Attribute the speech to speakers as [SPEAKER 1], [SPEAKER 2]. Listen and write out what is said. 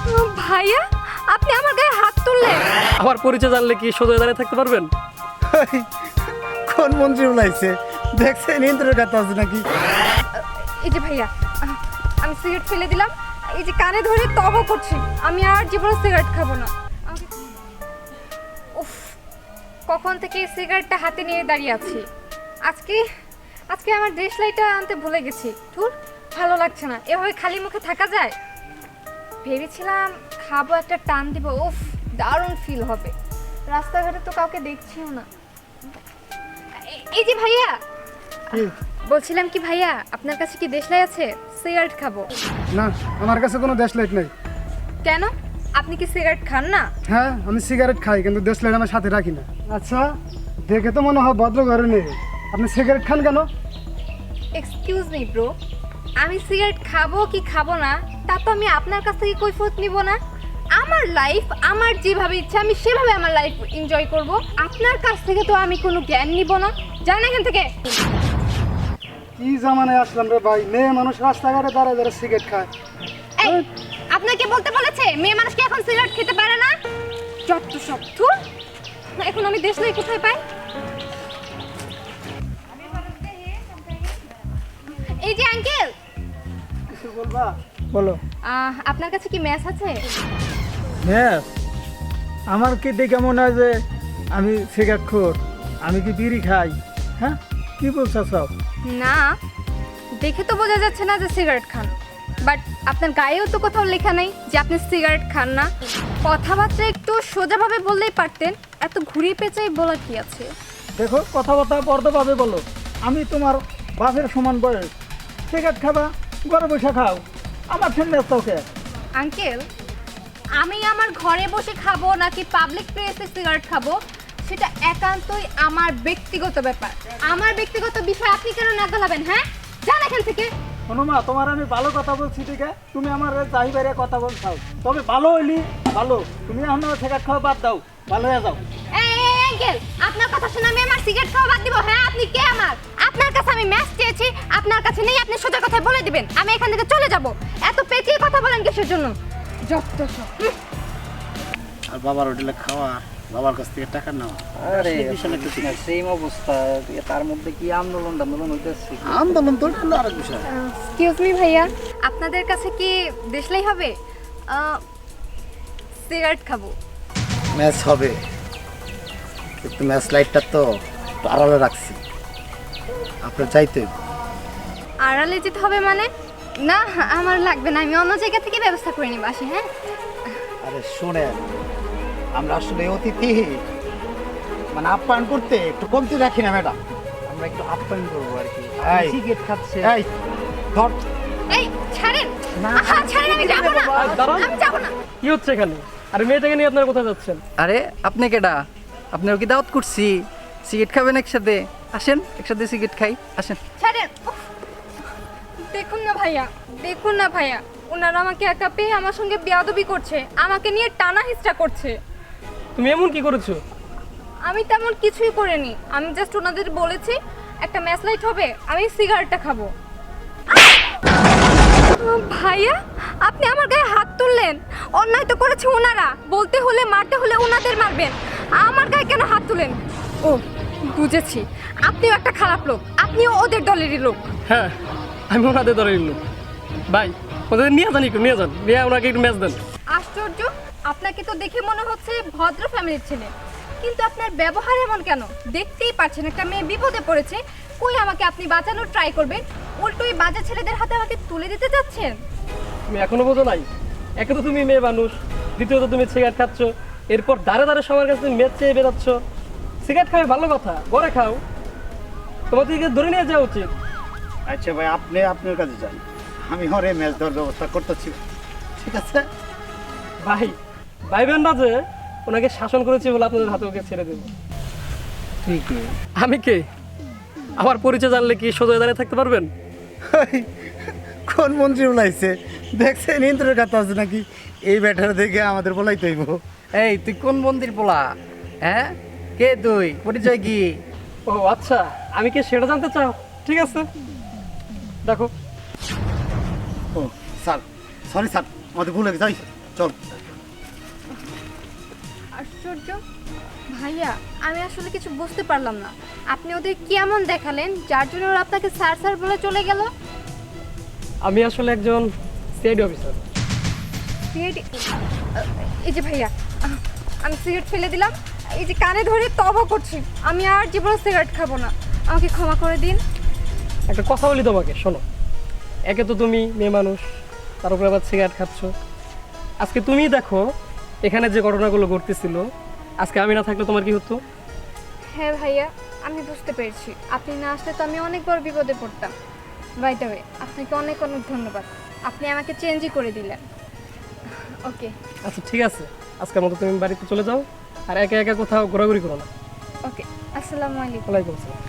[SPEAKER 1] ভাইয়া আপনি আমার গায়ে হাত তুললেন।
[SPEAKER 2] আমার পরিচয় জানলে কি সোজা দাঁড়িয়ে থাকতে পারবেন?
[SPEAKER 3] কোন মন্ত্রী বলাইছে দেখছেন ইন্দ্রের কথা আছে নাকি?
[SPEAKER 1] এই যে ভাইয়া আমি সিগারেট ফেলে দিলাম, এই যে কানে ধরে তবা করছি, আমি আর জীবনে সিগারেট খাবো না। উফ, কখন থেকে এই সিগারেটটা হাতে নিয়ে দাঁড়িয়ে আছি। আজকে আজকে আমার দেশ লাইটটা আনতে ভুলে গেছি। ধুর, ভালো লাগছে না, এভাবে খালি মুখে থাকা যায়? ভেবেছিলাম খাবো, একটা টান দিব, উফ দারুণ ফিল হবে। রাস্তাঘাটে তো কাউকে দেখছিও না। এই যে ভাইয়া, বলছিলাম কি ভাইয়া, আপনার কাছে কি দেশলাই আছে? সিগারেট খাবো।
[SPEAKER 3] না, আমার কাছে কোনো দেশ লাইট নেই।
[SPEAKER 1] কেন, আপনি কি সিগারেট খান না?
[SPEAKER 3] হ্যাঁ, আমি সিগারেট খাই কিন্তু দেশ লাইট আমার সাথে রাখি না। আচ্ছা, দেখে তো মনে হয় ভদ্র ঘরে নেই, আপনি সিগারেট খান কেন?
[SPEAKER 1] এক্সকিউজ মি ব্রো, আমি সিগারেট খাবো কি খাবো না তা তো আমি আপনার কাছ থেকে কৈফিয়ত নিব না। আমার লাইফ আমার যেভাবে ইচ্ছা আমি সেভাবে আমার লাইফ এনজয় করব। আপনার কাছ থেকে তো আমি কোনো জ্ঞান নিব না। যান এখান থেকে।
[SPEAKER 3] কি জামানায় আসলাম রে ভাই, মেয়ে মানুষ রাস্তাঘাটে দাঁড়ায় দাঁড়ায় সিগারেট খায়।
[SPEAKER 1] এই, আপনাকে বলতে বলেছে মেয়ে মানুষ কি এখন সিগারেট খেতে পারে না? যত সব ধুর। এখন আমি দেশলাই কোথায় পাই? এই যে আঙ্কেল,
[SPEAKER 3] কিছু বলবা? বলো।
[SPEAKER 1] আপনার কাছে কি ম্যাচ আছে?
[SPEAKER 3] হ্যাঁ, আমার কি দেখে মনে হয় যে আমি সিগারেট খোর? আমি কি বিড়ি খাই? হ্যাঁ, কি বলছো সব?
[SPEAKER 1] না, দেখে তো বোঝা যাচ্ছে না যে সিগারেট খান, বাট আপনার গায়েও তো কোথাও লেখা নেই যে আপনি সিগারেট খান না। কথাবার্তা একটু সোজাভাবে বললেই পারতেন, এত ঘুরিয়ে পেঁচাই বলা কি আছে?
[SPEAKER 3] দেখো, কথাবার্তা পর্দাভাবে বলো। আমি তোমার বাপের সমান বয়স, সিগারেট খাবা, ঘরে বসে খাও, আমার সঙ্গে তোকে।
[SPEAKER 1] আঙ্কেল, আমি আমার ঘরে বসে খাবো নাকি পাবলিক প্লেসে সিগারেট খাবো সেটা একান্তই আমার ব্যক্তিগত ব্যাপার। আমার ব্যক্তিগত বিষয় আপনি কেন নাগালাবেন? হ্যাঁ, যান এখান থেকে।
[SPEAKER 3] শোনো মা, তোমার আমি ভালো কথা বলছি, ঠিক আছে? তুমি আমার যাই বাইরে কথা বলছাও, তবে ভালো হইলি ভালো। তুমি আমার সিগারেট খাওয়া বাদ দাও, ভালো হয়ে যাও।
[SPEAKER 1] এই আঙ্কেল, আপনার কথা শুনে আমি আমার সিগারেট খাওয়া বাদ দিব? হ্যাঁ, আপনি কে আমার? আপনার কাছে আমি ম্যাচ চেয়েছি, আপনার কাছে নেই, আপনি সোজা কথায় বলে দিবেন, আমি এখান থেকে চলে যাব। এত পেঁচিয়ে কথা বলেন কিসের জন্য? যত সব।
[SPEAKER 4] আর বাবার হোটেলে খাওয়া, বাবার কাছ থেকে টাকা নেওয়া,
[SPEAKER 5] আরে সেম অবস্থা। তার মধ্যে কি আন্দোলন হইতেছে?
[SPEAKER 4] আন্দোলন তো এটা আরেক বিষয়।
[SPEAKER 1] এক্সকিউজ মি ভাইয়া, আপনাদের কাছে কি দেশলাই হবে? সিগারেট খাবো।
[SPEAKER 4] ম্যাচ হবে, কিন্তু ম্যাচ লাইটটা তো একটু আড়ালে রাখছি, আপনার চাইতে হইব।
[SPEAKER 1] আড়ালে যেতে হবে মানে? না, আমার লাগবে না, আমি অন্য জায়গা থেকে ব্যবস্থা করে নিব। আসি। হ্যাঁ,
[SPEAKER 4] আরে শোনেন, আমরা আসলে অতিথি মানে আপ্যায়ন করতে একটু কমতি রাখি না ম্যাডাম,
[SPEAKER 5] আমরা একটু আপ্যায়ন করবো আর কি।
[SPEAKER 4] এই।
[SPEAKER 5] সিগারেট খাচ্ছে।
[SPEAKER 4] এই ধর,
[SPEAKER 1] এই ছাড়েন। আহা, ছাড়েন, আমি যাব না,
[SPEAKER 2] দাঁড়ান।
[SPEAKER 1] আমি যাব না।
[SPEAKER 2] কি হচ্ছে এখানে? আরে মেয়েটাকে নিয়ে আপনারা কোথায় যাচ্ছেন?
[SPEAKER 5] আরে আপনি কেডা? আপনার কি দাওয়াত করছি? সিগারেট খাবেন একসাথে? আসেন একসাথে সিগারেট খাই, আসেন।
[SPEAKER 1] ছাড়েন। উফ, দেখুন না ভাইয়া, দেখুন না ভাইয়া, ওনারা আমাকে একা পেয়ে আমার সঙ্গে বেয়াদবি করছে, আমাকে নিয়ে টানা হিস্টা করছে।
[SPEAKER 2] তুমি এমন কি করেছো?
[SPEAKER 1] আমি তেমন কিছুই করিনি, আমি জাস্ট ওনাদের বলেছি একটা ম্যাচ লাইট হবে, আমি সিগারেটটা খাবো। ভাইয়া, আপনি আমার গায়ে হাত তুললেন। অন্যায় তো করেছে ওনারা, বলতে হলে মারতে হলে ওনাদের মারবেন, আমার গায়ে কেন হাত তুলেন? ও বুঝেছি, আপনিও একটা খারাপ লোক, আপনিও ওদের দলেরই লোক।
[SPEAKER 2] হ্যাঁ, আমি ওনাদের ধরে নিলাম। ভাই, ওদের নিয়ে যান, একটু নিয়ে যান, নিয়ে ওনাকে একটু ম্যাচ দেন।
[SPEAKER 1] আশ্চর্য, আপনাকে তো দেখে মনে হচ্ছে ভদ্র ফ্যামিলির ছেলে, কিন্তু আপনার ব্যবহার এমন কেন? দেখতেই পাচ্ছেন একটা মেয়ে বিপদে পড়েছে, কই আমাকে আপনি বাঁচানোর ট্রাই করবেন, উল্টো এই বাজে ছেলেদের হাতে আমাকে তুলে দিতে যাচ্ছেন।
[SPEAKER 2] তুমি এখনো বোঝো নাই? একে তো তুমি মেয়ে মানুষ, দ্বিতীয়ত তুমি সিগারেট খাচ্ছ, এরপর দাঁড়ে দাঁড়ে সবার কাছে তুমি ম্যাচ চেয়ে বেরাচ্ছ। সিগারেট খাবে ভালো কথা, ঘরে খাও, তোমার থেকে ধরে নিয়ে যাওয়া উচিত।
[SPEAKER 4] আচ্ছা ভাই, আপনি আপনার কাছে যান, আমি হরে ম্যাচ দেওয়ার ব্যবস্থা করতেছি, ঠিক আছে?
[SPEAKER 2] ভাই, ভাইবেন না যে ওনাকে শাসন করেছি বলে আপনাদের হাতে ওকে ছেড়ে দেবো।
[SPEAKER 5] ঠিক
[SPEAKER 2] আমি কে? আমার পরিচয় জানলে কি সোজা দাঁড়িয়ে থাকতে পারবেন?
[SPEAKER 3] কোন মন্ত্রী বলাইছে দেখছেন ইন্দ্রের কথা আছে নাকি? এই ব্যাটার দেখে আমাদের বলাইতে হইব।
[SPEAKER 5] এই তুই কোন মন্দির পোলা? হ্যাঁ, কে তুই? পরিচয় কি?
[SPEAKER 2] ও আচ্ছা, আমি কি সেটা জানতে চাও? ঠিক আছে, দেখো।
[SPEAKER 4] ও স্যার, সরি স্যার, আমাদের ভুল হয়ে গেছে। চল।
[SPEAKER 1] আশ্চর্য ভাইয়া, আমি আসলে কিছু বুঝতে পারলাম না। আপনি ওদের কি এমন দেখালেন যার জন্য ওরা আপনাকে স্যার স্যার বলে চলে গেল?
[SPEAKER 2] আমি আসলে একজন সিআইডি অফিসার।
[SPEAKER 1] এই যে ভাইয়া, আমি সিগারেট ফেলে দিলাম, এই যে কানে ধরে তবা করছি, আমি আর জীবনে সিগারেট খাবো না, আমাকে ক্ষমা করে দিন।
[SPEAKER 2] একটা কথা বলি তোমাকে, শোনো। একে তো তুমি মেয়ে মানুষ, তার উপরে আবার সিগারেট খাচ্ছ। আজকে তুমিই দেখো এখানে যে ঘটনাগুলো ঘটতেছিল, আজকে আমি না থাকলে তোমার কি হতো?
[SPEAKER 1] হ্যাঁ ভাইয়া, আমি বুঝতে পেরেছি। আপনি না আসলে তো আমি অনেক বড় বিপদে পড়তাম। বাই দ্য ওয়ে, আপনাকে অনেক অনেক ধন্যবাদ, আপনি আমাকে চেঞ্জই করে দিলেন। ওকে
[SPEAKER 2] আচ্ছা ঠিক আছে, আজকের মতো তুমি বাড়িতে চলে যাও, আর একা একা কোথাও ঘোরাঘুরি করো না।
[SPEAKER 1] ওকে, আসসালামু আলাইকুম।
[SPEAKER 2] ওয়ালাইকুম আসসালাম।